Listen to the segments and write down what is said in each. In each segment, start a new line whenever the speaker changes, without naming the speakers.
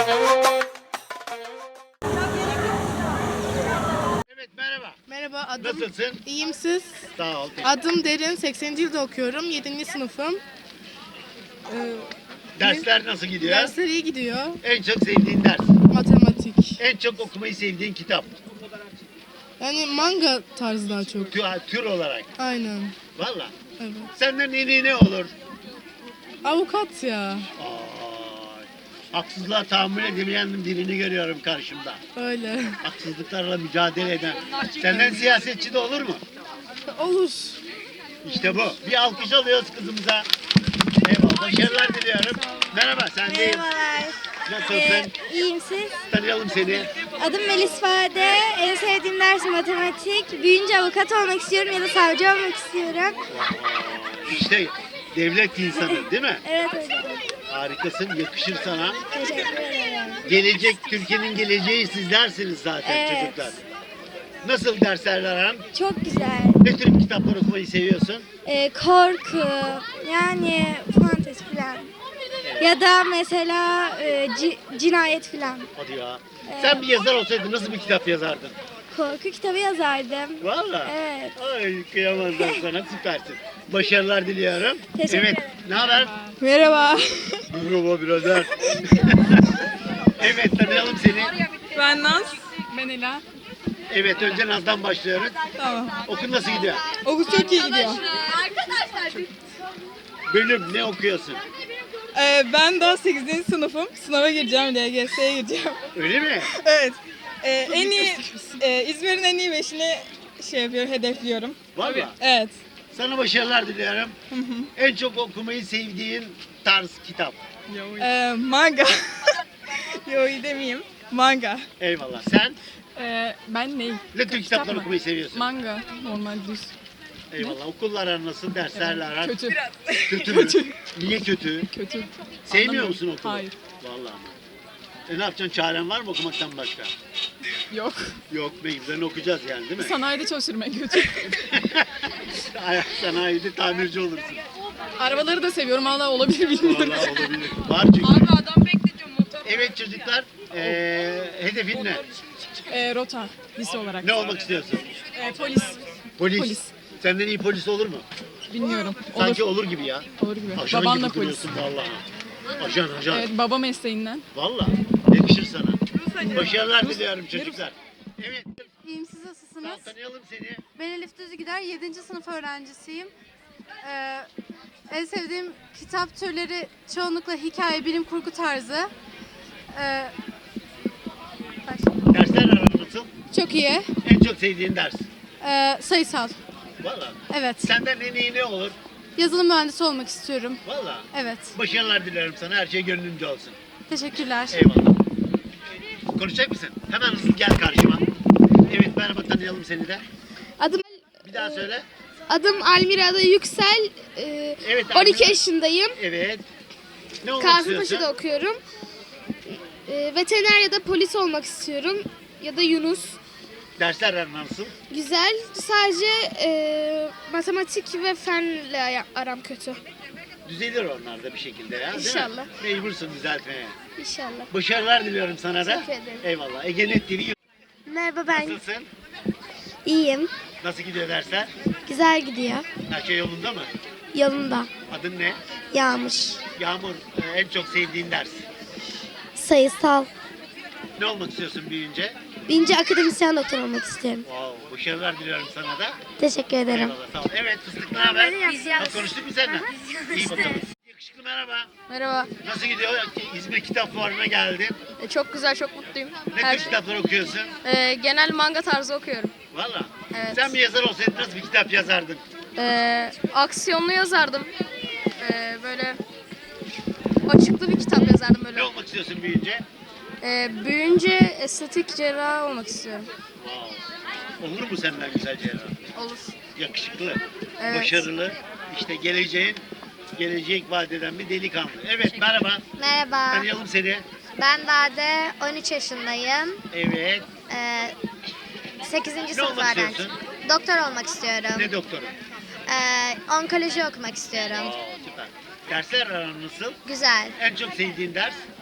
Evet, merhaba.
Merhaba, adım...
Nasılsın?
İyiyim, siz?
Sağ ol.
Adım Derin, 80. yılda okuyorum, 7. sınıfım.
Dersler nasıl gidiyor?
Dersler iyi gidiyor.
En çok sevdiğin ders?
Matematik.
En çok okumayı sevdiğin kitap?
Yani manga tarzı daha çok.
Tür olarak.
Aynen.
Valla.
Evet.
Senden en iyi ne olur?
Avukat ya.
Ay, haksızlığa tahammül edemeyen birini görüyorum karşımda.
Öyle.
Haksızlıklarla mücadele eden. Senden siyasetçi de olur mu?
Olur.
İşte bu. Bir alkış alıyoruz kızımıza. Eyvallah. Başarılar diliyorum. Merhaba, sen değil.
Merhabalar.
Nasılsın?
İyiyim siz?
Tanıyalım seni.
Adım Melis Fade. En sevdiğim ders matematik. Büyüyünce avukat olmak istiyorum ya da savcı olmak istiyorum.
İşte devlet insanı değil mi?
Evet hocam.
Harikasın, yakışır sana.
Teşekkür ederim.
Gelecek, Türkiye'nin geleceği sizlersiniz zaten
Evet.
çocuklar. Nasıl dersler aran?
Çok güzel.
Ne tür kitaplar okumayı seviyorsun?
Korku, yani fantezi falan. Ya da mesela cinayet falan.
Hadi ya. Sen bir yazar olsaydın nasıl bir kitap yazardın?
Korku kitabı yazardım.
Valla.
Evet.
Ay kıyamazlar sana, süpersin. Başarılar diliyorum.
Teşekkür
Evet,
ederim.
ne haber?
Merhaba.
Merhaba birader. Evet, tanıyalım seni.
Ben Naz. Ben Ela.
Evet, önce Naz'dan başlıyoruz.
Tamam.
Okul nasıl gidiyor?
Okul çok iyi gidiyor.
Bölüm ne okuyorsun?
Ben daha 8. sınıfım. Sınava gireceğim, LGS'ye gireceğim.
Öyle mi?
Evet. En iyi, İzmir'in en iyi beşini hedefliyorum.
Valla.
Evet.
Sana başarılar diliyorum. En çok okumayı sevdiğin tarz kitap.
Manga. Yo iyi demeyeyim. Manga.
Eyvallah. Sen
Ben ney?
ne tür kitaplar
mı?
okumayı seviyorsun?
Manga, normal düz.
Eyvallah. Okullar aran nasıl? Derslerle aran?
Kötü.
Kötü mü? Niye kötü?
Kötü.
Sevmiyor
Anlamıyorum.
musun okulu?
Hayır.
Vallahi. Ne yapacaksın? Çaren var mı okumaktan başka?
Yok.
Yok, mecburen okuyacağız yani değil mi?
Sanayide çalışırım en kötü.
Sanayide tamirci olursun.
Arabaları da seviyorum. Hala olabilir bilmiyorum.
Vallahi olabilir. Var çünkü.
adam bekletiyor motor.
Evet çocuklar, hedefin ne?
Rota. Lise olarak.
Ne olmak istiyorsun?
Polis.
Polis.
Polis.
Senden iyi polis olur mu?
Bilmiyorum. Olur.
Sanki olur gibi ya.
Olur gibi.
Ajan
Babam
gibi
da polis.
duruyorsun vallahi. Ajan.
Evet, baba mesleğinden.
Vallahi yakışır sana. Başarılar diliyorum çocuklar. Evet,
İyiyim, siz nasılsınız?
tanıyalım seni.
Ben Elif Düzgider, 7. sınıf öğrencisiyim. En sevdiğim kitap türleri çoğunlukla hikaye, bilim kurgu tarzı.
Dersler aran nasıl?
Çok iyi.
En çok sevdiğin ders.
Sayısal.
Vallahi.
Evet.
Senden en iyi ne olur?
Yazılım mühendisi olmak istiyorum.
Vallahi.
Evet.
Başarılar dilerim sana. Her şey gönlünce olsun.
Teşekkürler.
Eyvallah. Konuşacak mısın? Hemen hızlı gel karşıma. Evet, merhaba, tanıyalım seni de.
Adım
Bir daha söyle.
Almira Yüksel.
Evet,
12
Almira.
yaşındayım.
Evet. Ne olmak
Kasımpaşa'da
istiyorsun?
okuyorum. Veteriner ya da polis olmak istiyorum. Ya da Yunus.
Dersler aran nasıl?
Güzel. Sadece matematik ve fenle aram kötü.
Düzelir onlar da bir şekilde ya, değil
İnşallah.
mi? Mecbursun düzeltmeye.
İnşallah.
Başarılar diliyorum sana da.
Teşekkür ederim.
Eyvallah. Egenet TV.
Merhaba, ben
Nasılsın?
iyiyim.
Nasıl gidiyor dersler?
Güzel gidiyor.
Her şey yolunda mı?
Yolunda.
Adın ne?
Yağmur.
Yağmur, en çok sevdiğin ders.
Sayısal.
Ne olmak istiyorsun büyüyünce?
Birinci akademisyen doktor olmak istiyorum.
Wow, başarılar diliyorum sana da.
Teşekkür ederim.
Eyvallah, sağ ol. Evet, fıstık ne haber? Konuştuk mu seninle? İyi bakalım. Yakışıklı merhaba.
Merhaba.
Nasıl gidiyor? İzmir Kitap Fuarı'na geldin.
Çok güzel, çok mutluyum.
Ne tür kitaplar okuyorsun?
Genel manga tarzı okuyorum.
Valla.
Evet.
Sen bir yazar olsaydın nasıl bir kitap yazardın?
Aksiyonlu yazardım. Böyle açıklı bir kitap yazardım böyle.
Ne olmak istiyorsun büyüyünce?
Büyüyünce estetik cerrah olmak istiyorum.
Wow. Olur mu senden güzel cerrah?
Olur.
Yakışıklı,
Evet.
başarılı, işte gelecek vaat eden bir delikanlı. Evet, merhaba.
Merhaba.
Tanıyalım seni.
Ben Dade, 13 yaşındayım.
Evet.
8.
Ne
sınıf
olmak
öğrencisiyim.
istiyorsun?
Doktor olmak istiyorum.
Ne doktoru?
Onkoloji okumak istiyorum.
Süper. Dersler aran nasıl?
Güzel.
En çok sevdiğin ders?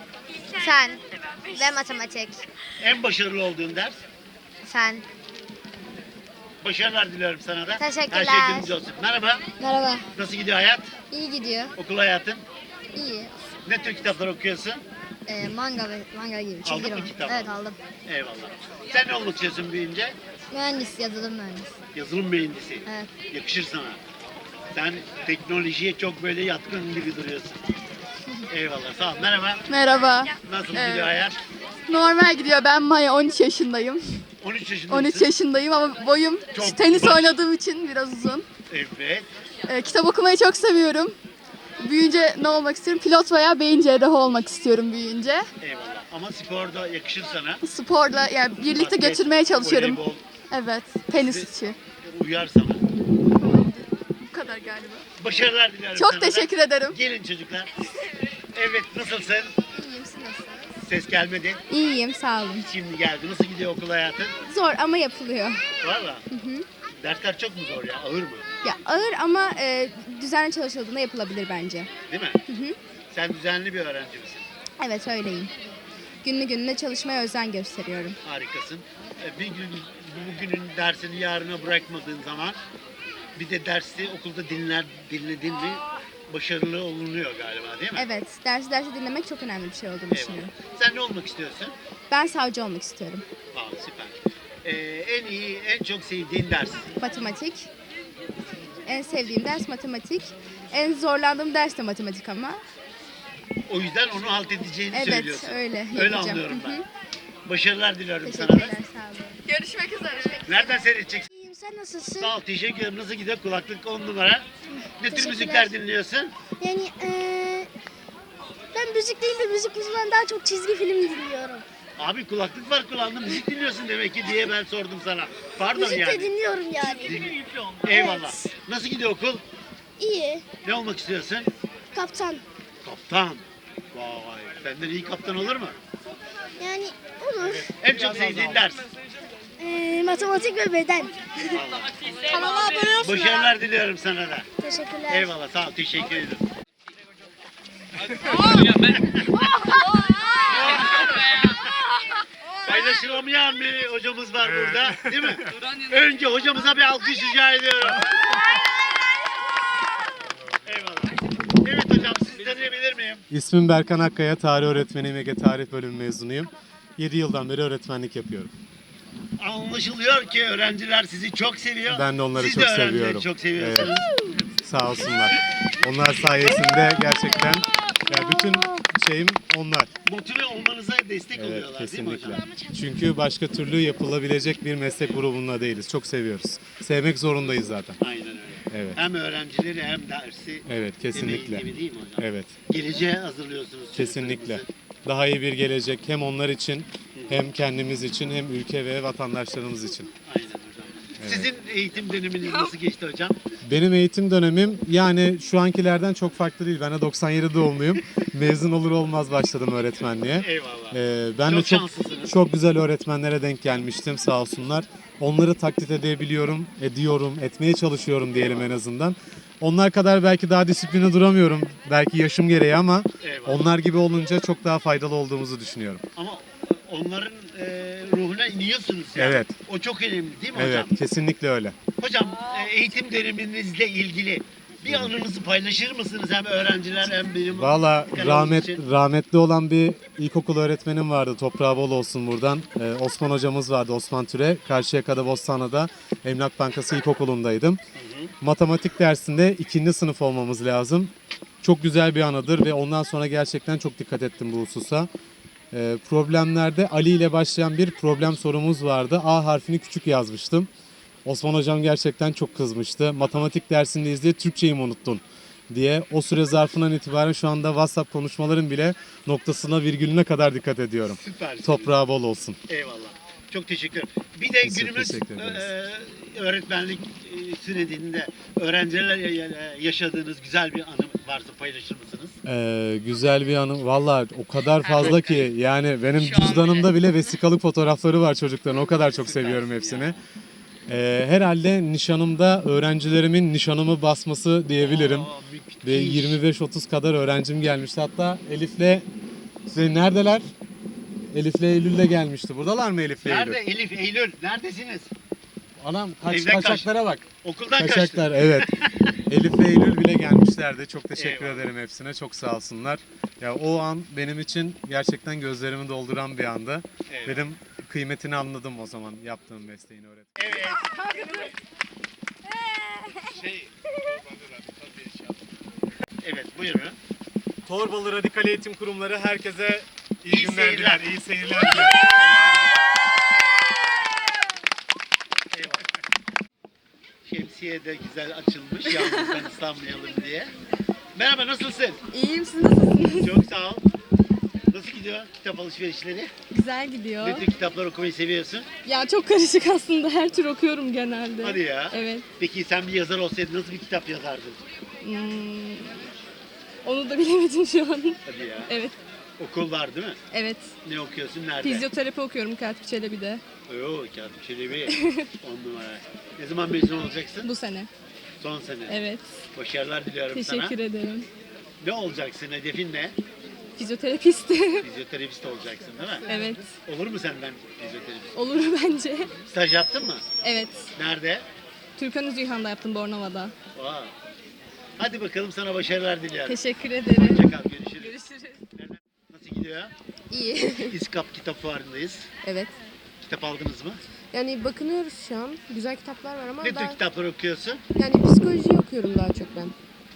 Fen ve matematik.
En başarılı olduğun ders?
Fen.
Başarılar diliyorum sana da.
Teşekkürler.
Her şey gönlünüzce olsun. Merhaba.
Merhaba.
Nasıl gidiyor hayat?
İyi gidiyor.
Okul hayatın?
İyi.
Ne tür kitaplar okuyorsun?
Manga gibi.
Aldın mı kitap?
Evet aldım.
Eyvallah. Sen ne olmak istiyorsun büyüyünce?
Mühendis, yazılım mühendisi.
Yazılım mühendisi.
Evet.
Yakışır sana. Sen teknolojiye çok böyle yatkın gibi duruyorsun. Eyvallah. Sağ ol. Merhaba.
Merhaba.
Nasıl gidiyor hayat?
Normal gidiyor. Ben Maya 13 yaşındayım.
13 yaşındasın.
13 yaşındayım ama boyum
Çok
tenis
baş-
oynadığım için biraz uzun.
Evet.
Kitap okumayı çok seviyorum. Büyüyünce ne olmak istiyorum? Pilot veya beyin cerrahı olmak istiyorum büyüyünce.
Eyvallah. Ama sporda yakışır sana.
Sporla yani birlikte
Basket,
götürmeye çalışıyorum.
voleybol
Evet, tenisçi.
uyar sana.
Bu kadar galiba.
Başarılar diliyorum
Çok
sana
teşekkür
da.
ederim.
Gelin çocuklar. Evet, nasılsın?
İyiyim, siz nasılsınız?
Ses gelmedi.
İyiyim, sağ olun.
Şimdi geldi. Nasıl gidiyor okul hayatın?
Zor ama yapılıyor.
Valla. Dersler çok mu zor ya? Ağır mı?
Ya ağır ama düzenli çalışıldığında yapılabilir bence.
Değil mi? Sen düzenli bir öğrenci misin?
Evet öyleyim. Günlü gününe çalışmaya özen gösteriyorum.
Harikasın. Bir gün bugünün dersini yarına bırakmadığın zaman bir de dersi okulda dinledin mi başarılı olunuyor galiba değil mi?
Evet, dersi dinlemek çok önemli bir şey olduğunu
Eyvallah.
düşünüyorum.
Sen ne olmak istiyorsun?
Ben savcı olmak istiyorum.
Süper. En iyi, en çok sevdiğin ders?
Matematik. En sevdiğim ders matematik. En zorlandığım ders de matematik ama.
O yüzden onu halt edeceğini
Evet,
söylüyorsun.
öyle
Öyle
yapacağım.
anlıyorum
Hı hı.
ben. Başarılar diliyorum sana
Teşekkürler,
da.
sağ olun.
Görüşmek üzere.
Nereden seyredeceksin?
İyiyim, sen nasılsın?
Sağ ol, teşekkür ederim. Nasıl gidiyor? Kulaklık 10 numara. Ne tür
Teşekkürler.
müzikler dinliyorsun?
Yani ben müzik değil de müzik yüzünden daha çok çizgi film dinliyorum.
Abi kulaklık var kulağında müzik dinliyorsun demek ki diye ben sordum sana. Pardon yani.
dinliyorum yani.
Eyvallah.
Evet.
Nasıl gidiyor okul?
İyi.
Ne olmak istiyorsun?
Kaptan.
Kaptan. Vay, senden iyi kaptan olur mu?
Yani olur.
En çok sevdiğin ders.
Matematik ve beden.
Kanala abone olsun.
Başarılar diliyorum sana da.
Teşekkürler.
Eyvallah, sağ ol, teşekkür ederim. Paylaşılamayan bir hocamız var burada, değil mi? Önce hocamıza bir alkış rica ediyorum. Eyvallah. Evet hocam, sizi tanıyabilir miyim?
İsmim Berkan Akkaya, tarih öğretmeniyim, Ege Tarih Bölümü mezunuyum. 7 yıldan beri öğretmenlik yapıyorum.
Anlaşılıyor ki öğrenciler sizi çok seviyor.
Ben de onları
Siz
çok
de öğrencileri
seviyorum.
çok seviyorsunuz.
Sağ olsunlar. Onlar sayesinde gerçekten bütün şeyim onlar.
Motive olmanıza destek
Evet,
oluyorlar değil mi
kesinlikle.
hocam?
Çünkü başka türlü yapılabilecek bir meslek grubunda değiliz. Çok seviyoruz. Sevmek zorundayız zaten.
Aynen öyle.
Evet.
Hem öğrencileri hem dersi
Evet, kesinlikle.
emeği gibi değil mi hocam?
Evet,
Geleceğe hazırlıyorsunuz.
kesinlikle.
çocuklarımızı.
Daha iyi bir gelecek hem onlar için, hem kendimiz için, hem ülke ve vatandaşlarımız için.
Aynen hocam. Sizin eğitim döneminiz nasıl geçti hocam?
Benim eğitim dönemim yani şu ankilerden çok farklı değil. Ben de 97 doğumluyum. Mezun olur olmaz başladım öğretmenliğe.
Eyvallah.
Ben
Çok
de çok
şanslısınız.
çok güzel öğretmenlere denk gelmiştim sağ olsunlar. Onları taklit edebiliyorum, ediyorum, etmeye çalışıyorum diyelim en azından. Onlar kadar belki daha disipline duramıyorum. Belki yaşım gereği ama
Eyvallah.
onlar gibi olunca çok daha faydalı olduğumuzu düşünüyorum.
Ama onların ruhuna iniyorsunuz yani.
Evet.
O çok önemli değil mi
Evet,
hocam?
kesinlikle öyle.
Hocam eğitim döneminizle ilgili bir anınızı paylaşır mısınız? Hem öğrenciler hem benim
Valla
kanalımız için.
rahmetli olan bir ilkokul öğretmenim vardı. Toprağı bol olsun buradan. Osman hocamız vardı, Osman Türe. Karşıyaka'da Bostanlı'da Emlak Bankası İlkokulu'ndaydım. Matematik dersinde 2. sınıf olmamız lazım. Çok güzel bir anıdır ve ondan sonra gerçekten çok dikkat ettim bu hususa. Problemlerde Ali ile başlayan bir problem sorumuz vardı. A harfini küçük yazmıştım. Osman hocam gerçekten çok kızmıştı. Matematik dersindeyiz diye Türkçeyi mi unuttun diye. O süre zarfından itibaren şu anda WhatsApp konuşmaların bile noktasına virgülüne kadar dikkat ediyorum.
Süpersiniz.
Toprağı bol olsun.
Eyvallah. Çok teşekkür ederim. Bir de
Biz
günümüz
teşekkür ederiz.
öğretmenlik sürecinde öğrencilerle yaşadığınız güzel bir anı varsa paylaşır mısınız?
Güzel bir anım. Valla o kadar fazla ki yani benim cüzdanımda bile vesikalık fotoğrafları var çocukların. O kadar çok seviyorum hepsini. Herhalde nişanımda öğrencilerimin nişanımı basması diyebilirim.
Aa, müthiş.
Ve 25-30 kadar öğrencim gelmişti. Hatta Elif'le Neredeler? Elif'le Eylül de gelmişti. Buradalar mı Elif'le Eylül?
Nerede Elif, Eylül? Neredesiniz?
Anam
Evden
kaçaklara bak.
Okuldan kaçtı.
Kaçaklar evet. Elif ve Eylül bile gelmişlerdi. Çok teşekkür
Eyvallah.
ederim hepsine. Çok sağ olsunlar. Ya o an benim için gerçekten gözlerimi dolduran bir anda.
Evet.
Benim kıymetini anladım o zaman yaptığım mesleğin öğretmen.
Evet. Evet, buyurun.
Torbalı Radikal Eğitim Kurumları herkese iyi,
İyi
günler
seyirler.
diler, iyi seyirler diler.
Eyvallah. Şemsiye de güzel açılmış, yalnızdan ıslanmayalım diye. Merhaba, nasılsın?
İyiyim, siz nasılsınız?
Çok sağ ol. Nasıl gidiyor kitap alışverişleri?
Güzel gidiyor.
Ne tür kitaplar okumayı seviyorsun?
Ya çok karışık aslında. Her tür okuyorum genelde.
Hadi ya.
Evet.
Peki sen bir yazar olsaydın nasıl bir kitap yazardın?
Onu da bilemedim şu an.
Hadi ya.
Evet.
Okul var değil mi?
Evet.
Ne okuyorsun, nerede?
Fizyoterapi okuyorum Katip Çelebi'de.
Oo, Katip Çelebi. 10 numara. Ne zaman mezun olacaksın?
Bu sene.
Son sene.
Evet.
Başarılar diliyorum sana.
Teşekkür ederim.
Ne olacaksın? Hedefin ne?
Fizyoterapist.
Fizyoterapist olacaksın değil mi?
Evet.
Olur mu senden fizyoterapist?
Olur bence.
Staj yaptın mı?
Evet.
Nerede?
Türkan Üzüyhan'da yaptım Bornova'da.
Aa. Hadi bakalım, sana başarılar diliyorum.
Teşekkür ederim.
Hoşça kal, görüşürüz.
Görüşürüz.
Nasıl gidiyor?
İyi.
İskap Kitap Fuarı'ndayız.
Evet.
Kitap aldınız mı?
Yani bakınıyoruz şu an. Güzel kitaplar var ama
Ne tür
daha,
kitaplar okuyorsun?
yani psikoloji okuyorum daha çok ben.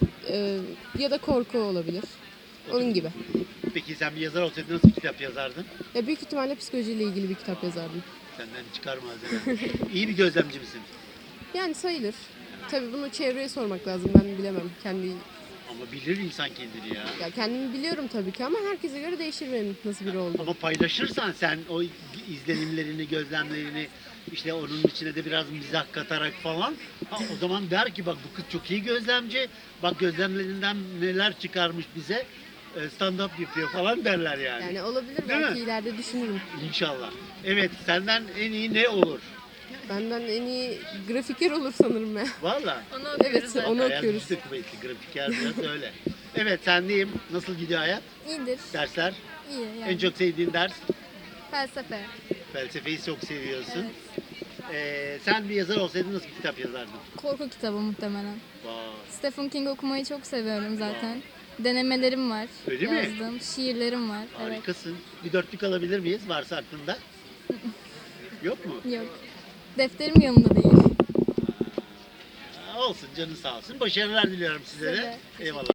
Ya da korku olabilir. Onun gibi.
Peki sen bir yazar olsaydın nasıl bir kitap yazardın?
Ya büyük ihtimalle psikolojiyle ilgili bir kitap yazardım.
Senden çıkar malzeme. İyi bir gözlemci misin?
Yani sayılır. Tabii bunu çevreye sormak lazım. Ben bilemem.
Ama bilir insan kendini ya.
Ya kendimi biliyorum tabii ki ama herkese göre değişir benim nasıl biri olduğum.
Ama paylaşırsan sen o izlenimlerini, gözlemlerini, işte onun içine de biraz mizah katarak falan, o zaman der ki bak bu kız çok iyi gözlemci, bak gözlemlerinden neler çıkarmış bize, stand-up yapıyor falan derler yani.
Yani olabilir,
Değil
belki
mi?
ileride düşünürüm.
İnşallah. Evet, senden en iyi ne olur?
Benden en iyi grafiker olur sanırım ya.
Valla.
Evet, onu
Hayal
okuyoruz.
güçlü kuvvetli, grafiker biraz öyle. Evet, sendeyim. Nasıl gidiyor hayat?
İyidir.
Dersler?
İyi
En çok sevdiğin ders?
Felsefe.
Felsefeyi çok seviyorsun. Sen bir yazar olsaydın nasıl bir kitap yazardın?
Korku kitabı muhtemelen.
Vay.
Stephen King okumayı çok seviyorum zaten. Denemelerim var.
Öyle mi?
Yazdığım şiirlerim var.
Harikasın. Bir dörtlük alabilir miyiz? Varsa aklında. Yok mu?
Evet. Yok. Defterim yanımda değil.
Olsun, canın sağ olsun. Başarılar diliyorum size
Size
de.
de.
Eyvallah.